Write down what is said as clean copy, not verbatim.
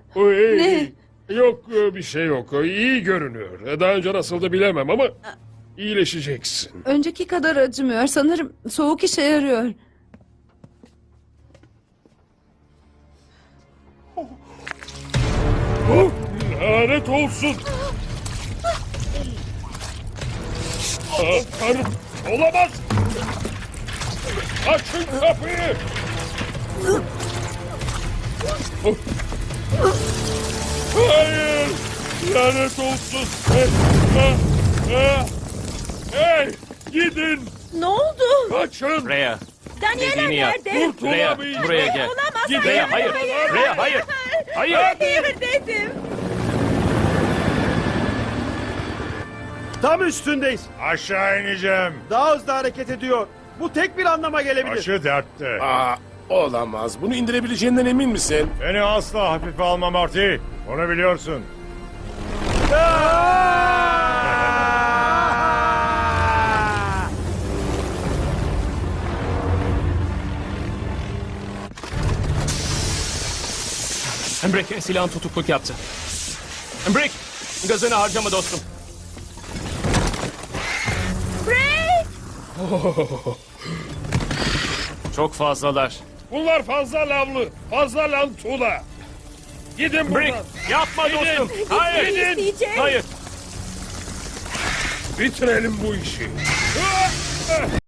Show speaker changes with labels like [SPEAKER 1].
[SPEAKER 1] Ne? Yok bir şey yok. İyi görünüyor. Daha önce nasıldı bilemem ama iyileşeceksin.
[SPEAKER 2] Önceki kadar acımıyor. Sanırım soğuk işe yarıyor.
[SPEAKER 1] Oh, lanet olsun. Tanrım, olamaz. Açın kapıyı. Hayır, lanet olsun. Hey, gidin.
[SPEAKER 2] Ne oldu?
[SPEAKER 1] Kaçın.
[SPEAKER 3] Rhea.
[SPEAKER 4] Daniela
[SPEAKER 3] Dediğini yap.
[SPEAKER 4] nerede?
[SPEAKER 3] Rhea,
[SPEAKER 1] Kurtulamayacağım.
[SPEAKER 3] buraya gel.
[SPEAKER 4] Olamaz.
[SPEAKER 1] Gidin.
[SPEAKER 3] Rhea, hayır. Rhea, hayır. Hayır.
[SPEAKER 4] Hayır dedim.
[SPEAKER 5] Tam üstündeyiz.
[SPEAKER 6] Aşağı ineceğim.
[SPEAKER 5] Daha hızlı hareket ediyor. Bu tek bir anlama gelebilir.
[SPEAKER 6] Başı dertte.
[SPEAKER 7] Olamaz. Bunu indirebileceğinden emin misin?
[SPEAKER 6] Beni asla hafife alma Marty. Onu biliyorsun.
[SPEAKER 3] Embrek silahın tutukluk yaptı. Embrek, gazını harcama dostum. Çok fazlalar.
[SPEAKER 1] Bunlar fazla lavlı, fazla lantula. Gidin
[SPEAKER 3] Embrek,
[SPEAKER 1] buradan.
[SPEAKER 3] yapma
[SPEAKER 1] Gidin.
[SPEAKER 3] dostum. Hayır.
[SPEAKER 4] İsteyeceğim.
[SPEAKER 3] Hayır.
[SPEAKER 1] Bitirelim bu işi.